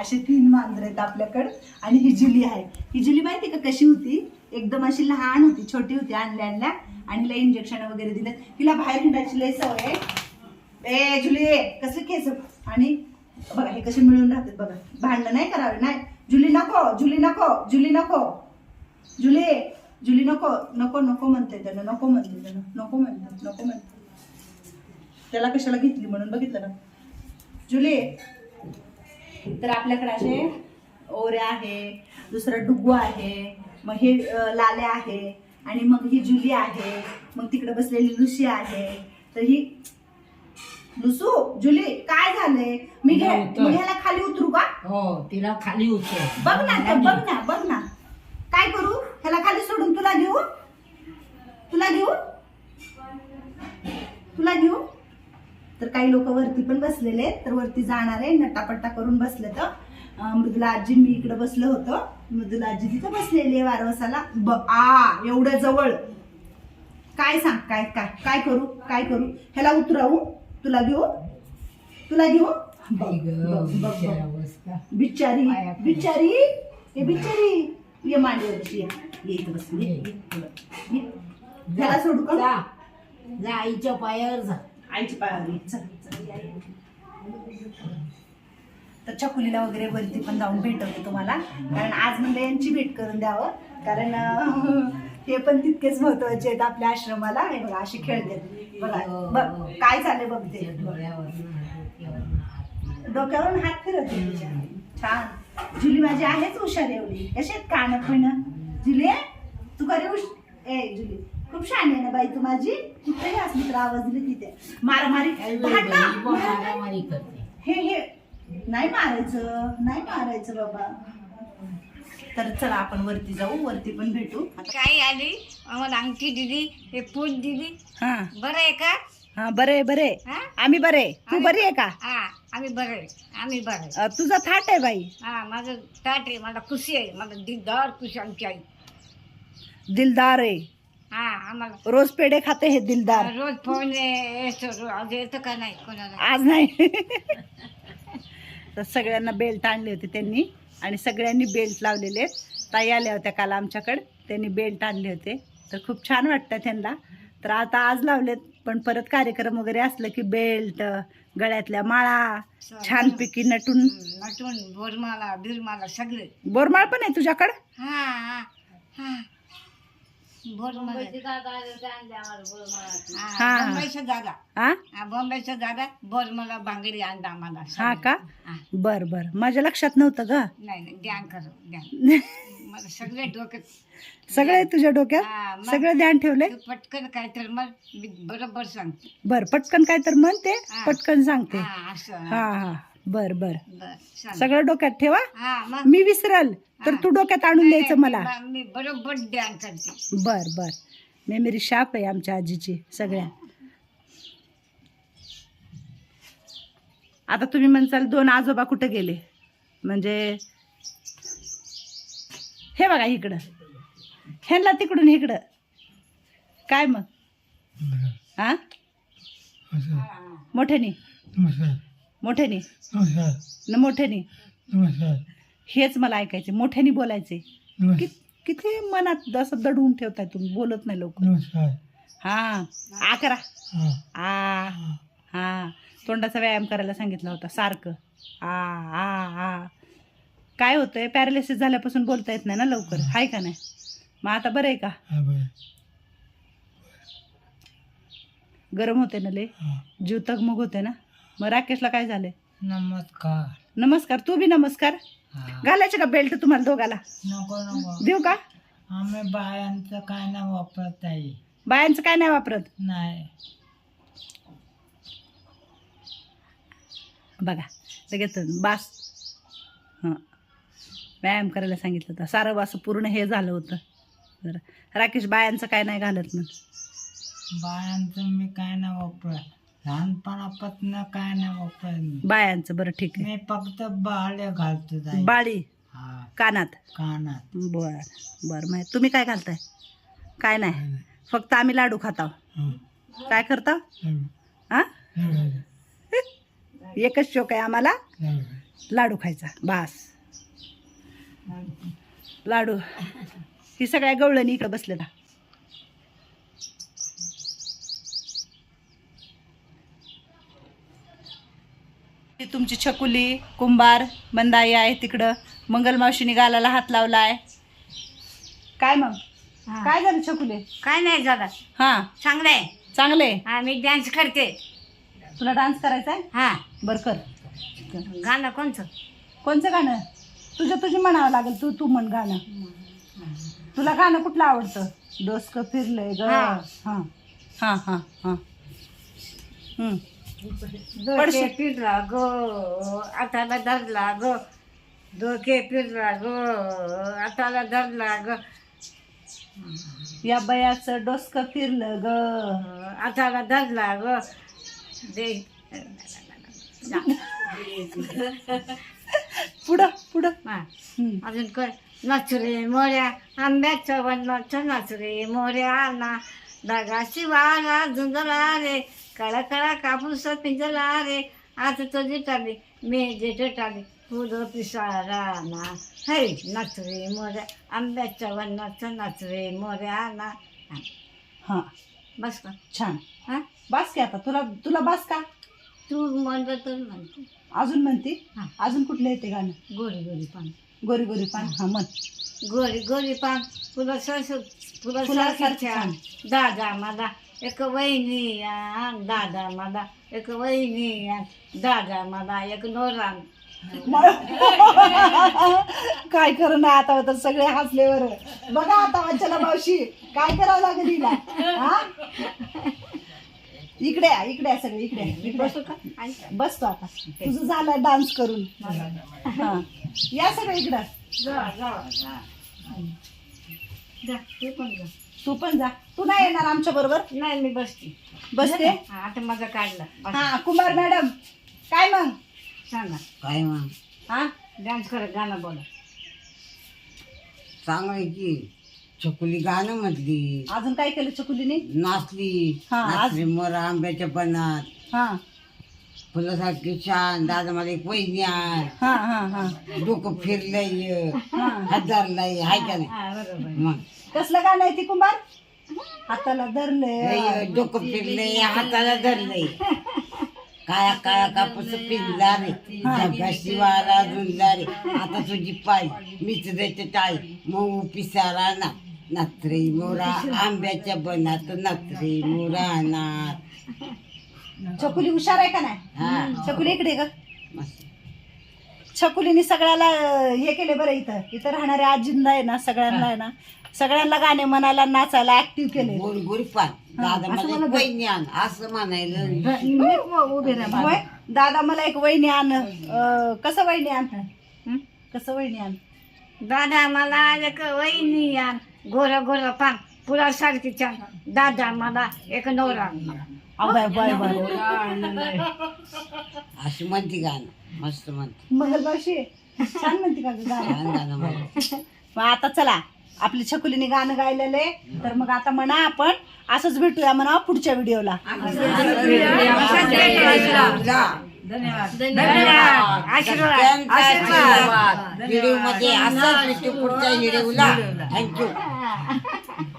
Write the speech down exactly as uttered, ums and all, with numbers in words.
असे तीन मांजर आहेत आपल्याकडं. आणि ही जुली आहे. ही जुली माहिती का कशी होती, एकदम अशी लहान होती, छोटी होती, आणल्या आणल्या आणि हिला इंजेक्शन वगैरे दिलं. हिला बाहेर हिंडायची लय सवय आहे. ए जुली कसं केस, आणि बघा हे कसे मिळून राहतात बघा. भांडणं नाही करावे, नाही जुली नको, जुली नको, जुली नको, जुली जुली नको नको नको म्हणते त्यानं, नको म्हणते त्यानं, नको म्हणते नको म्हणते. त्याला कशाला घेतली म्हणून बघितलं ना जुली. तर आपल्याकडे असे ओऱ्या आहे, दुसरं डुगू आहे, मग हे लाल्या आहे, आणि मग ही जुली आहे, मग तिकडे बसलेली लुसी आहे. तर ही लुसू जुली काय झालंय, मी घे मी ह्याला खाली उतरू का? हो तिला खाली उतर. बघ ना तर बघ ना बघ ना काय करू, ह्याला खाली सोडून तुला घेऊ, तुला घेऊ तुला घेऊ. तर काही लोक वरती पण बसलेले, तर वरती जाणार आहे, नटापट्टा करून बसले. तर मृदुला आजी, मी इकडे बसलो होतो, मृदुला आजी तिथं बसलेली आहे वारवसाला. ब आ एवढ्या जवळ. काय सांग, काय काय काय करू, काय करू, ह्याला उतरावू, तुला घेऊ, तुला घेऊ. बिचारी बिचारी हे बिचारी, ये मांडीवरची ये, ये इथं बस, ये, ये. ह्याला सोडू का? जा जा आईच्या पायावर जा, आईची पायावर ये. चल चल या, या. तर छकुलीला वगैरे वरती पण जाऊन भेटवते तुम्हाला, कारण आज म्हणजे यांची भेट करून द्यावं, कारण हे पण तितकेच महत्वाचे आहेत आपल्या आश्रमाला. हे बघा अशी खेळते बघा, बघ काय झाले बघते, डोक्यावरून हात फिरवते तुझ्या. छान जुली माझी आहेच हुशार एवढी. कशी आहेत कान पण जुली, तू खरी हुश ए जुली खूप छान आहे ना बाई तू माझी. कुठेही असली तर आवाज दिली तिथे मारामारी मारामारी करते. हे हे नाही मारायचं, नाही मारायचं बाबा. तर चला आपण वरती जाऊ, वरती पण भेटू. काय आली आम्हाला अंगठी दिली, हे फूल दिली. हा बरं आहे का? हा बरे बरे, हा? आम्ही बरे. तू बरी आहे का? हा आम्ही बरे, आम्ही बरे. अ, तुझा थाट आहे बाई. हा माझं ताट आहे, मला खुशी आहे, मला दिलदार खुशी आमची आई. दिलदार आहे. हा आम्हाला रोज पेढे खाते हे दिलदार. रोज फोन येतो, आज येतं का नाही कोणाला? आज नाही. तर सगळ्यांना बेल्ट आणले होते त्यांनी, आणि सगळ्यांनी बेल्ट लावलेले आहेत. ताई आल्या होत्या काल आमच्याकडे, त्यांनी बेल्ट आणले होते, तर खूप छान वाटतं त्यांना. तर आता आज लावलेत, पण परत कार्यक्रम वगैरे असलं की बेल्ट, गळ्यातल्या माळा, छानपैकी नटून नटून बोरमाला बिरमाला सगळे. बोरमाळ पण आहे तुझ्याकडं? हा हा हा बोरमाला. हा. बॉम्बेचा दादा, हा हा बॉम्बेचा दादा बोरमाला भांगडी आणला आम्हाला. हा का? हा. बर बर, माझ्या लक्षात नव्हतं ग. नाही नाही ध्यान कर ध्यान. मला सगळे डोक्यात सगळे तुझ्या डोक्यात हा, मग सगळे ध्यान ठेवले. तू पटकन काय तर मग मी बरोबर सांगते. बर पटकन काय तर म्हणते, हा. पटकन सांगते. हा असं हा हा बर बर, बर सांग. सगळं डोक्यात ठेवा. हा मग मी विसरल तर हा. तू डोक्यात आणून नाही, द्यायचं मला. मी- मी बरोबर ध्यान करते. बर बर, मेमरी शाप आहे आमच्या आजीची सगळ्या. आता तुम्ही म्हणसाल दोन आजोबा कुठे गेले, म्हणजे हे बघा इकडं, ह्यांना तिकडून इकडं. काय मग हा मोठ्यानी मोठ्यानी न मोठ्यानी हेच मला ऐकायचे, मोठ्यानी बोलायचे. कि किती मनात असं दडवून ठेवताय तुम्ही, बोलत नाही लवकर. हा आ करा, आ हा तोंडाचा व्यायाम करायला सांगितला होता सारखं. आ आ आ काय होतंय, पॅरालिसिस झाल्यापासून बोलता येत नाही ना लवकर, हाय का नाही? मग आता बरं आहे का? गरम होते ना लय, जीव तगमग होते ना. मग राकेशला काय झालंय? नमस्कार. नमस्कार. तू बी नमस्कार. घालायचे का बेल्ट तुम्हाला दोघाला? नको नको, देऊ का? आम्ही बायांचं काय नाही वापरत आहे. बायांचं काय नाही वापरत? नाही. बघा लगेच बास. हां व्यायाम करायला सांगितलं होतं, सारं असं पूर्ण हे झालं होतं. बरं राकेश, बायांचं काय नाही घालत ना? बायांचं मी काय नाही वापरत, लहानपणापासून काय नाही वापरत मी. बायांचं बरं ठीक आहे. मी फक्त बाळे घालतो ताई. बाळी हा कानात. कानात. बर बर, माहिती. तुम्ही काय घालताय? काय नाही, फक्त आम्ही लाडू खाताव. काय करता? हा एकच शोक आहे आम्हाला. लाडू खायचा बास. लाडू ही सगळ्या गवळणी इकडे बसले ना. ती तुमची छकुली कुंभार मंदाई आहे तिकडं. मंगलमावशीने गालाला हात लावलाय. काय मग काय झालं छकुले? काय नाही झालं, हा चांगलं आहे. चांगले. हा मी डान्स करते. तुला डान्स करायचा आहे? हा बर कर. गाणं कोणचं? कोणचं गाणं? तुझं तुझी म्हणावं लागेल. तू तू म्हण गाणं. तुला गाणं कुठलं आवडतं? डोसकं फिरलंय ग. हा. हा हा हा हा हम्म. डोके फिरला गो आताला धरला गो, डोके फिरला गो आताला धरला ग, या बयाचं डोसकं फिरलं ग. आताला धरला ग. दे पुढं पुढं. हा. हम्म. अजून कर. नाचरे मोऱ्या आंब्याच्या वनाच्या, नाचरे मोऱ्या ना दागा शिवाला झुंजला रे, कळा कळा कापूस पिंजला रे, आज तो जिटाले मी जे टाले फुलं पिसारा ना. हे नाचरे मोऱ्या आंब्याच्या वनाच्या, नाचरे मोऱ्या ना. हा. हा बस का? छान. हा बास की आता. तुला तुला बास का? तू म्हणतो तर म्हणतो. अजून म्हणते? हा. अजून कुठलं येते गाणं? गोरी गोरी पान, गोरी गोरी पान. हा म्हण. गोरी गोरी पान फुलं सरस फुलं फुलासारखी सारख्या छान. दादा मला एक वहिनी आण, दादा मला एक वहिनी आण, दादा मला एक नोरान. काय करू ना आता तर सगळे हसलेवर. बघा आता वाचला मावशी काय करावं लागेल हिला. हा इकडे या, इकडे या सगळे इकडे या, इकडे बसू या. का? आणि बसतो आता. तुझं झालं डान्स करून. हा या सगळे इकडं. जा जा जा जा, तू पण जा. तू पण जा. तू नाही येणार आमच्या बरोबर? नाही मी बसते. बसते. हा, आता माझा काढला. बस. हा कुमार मॅडम काय मग? सांगा. काय मग हा डान्स करत गाणं बोला. चांगलं की छकुली गाणं म्हटली, अजून काय केलं छकुलीने? नाचली. हा, आज- नाचली मोर आंब्याच्या बनात, हा फुलासारखी छान, दादा मला एक वहिनी आण, हा हा हा डोकं फिरलंय हा. हजारलंय, हाय का नाही? हा बरोबर. मग कसलं गाणं आहे ती कुंभार? हाताला धरले. लय डोकं फिरलंय, हाताला धरलंय, काया काया कापूस पिंजला रे, डब्या शिवाला झुंजला रे, आता तुझी पाय मीच देते टाळी, मऊ पिसारा ना, नात्रे मोरा आंब्याच्या बनात, नात्रे मोरा ना. छकुली हुशार आहे का नाही? हा छकुली इकडे ग. मस्त. छकुलीने सगळ्याला हे केले बरं. इथं इथं राहणाऱ्या आजींना आहे ना सगळ्यांना आहे ना सगळ्यांना गाणे म्हणायला नाचायला ऍक्टिव्ह केले. गोरी गोरी पान, दादा असं मला मला एक वहिनी आण असं म्हणायला. मी उभे राहा. होय दादा मला एक वहिनी आण. अं, कसं वहिनी आण? कसं वहिनी आण? दादा मला एक वहिनी आण, गोरा गोरा पान फुला सारखी छान, दादा मला एक नवरा. अहो, बाय बाय बाय. अशी म्हणते गाणं, मस्त म्हणते, मंगलबाशी छान म्हणते का ग गाणं? छान गाणं म्हणते. मग आता चला आपली छकुलीने गाणं गायलेले तर मग आता म्हणा आपण असंच भेटूया म्हणा पुढच्या व्हिडिओला. धन्यवाद. आशीर्वाद. आशीर्वाद. व्हिडिओ मध्ये असं भेटू पुढच्या व्हिडिओला. थँक्यू.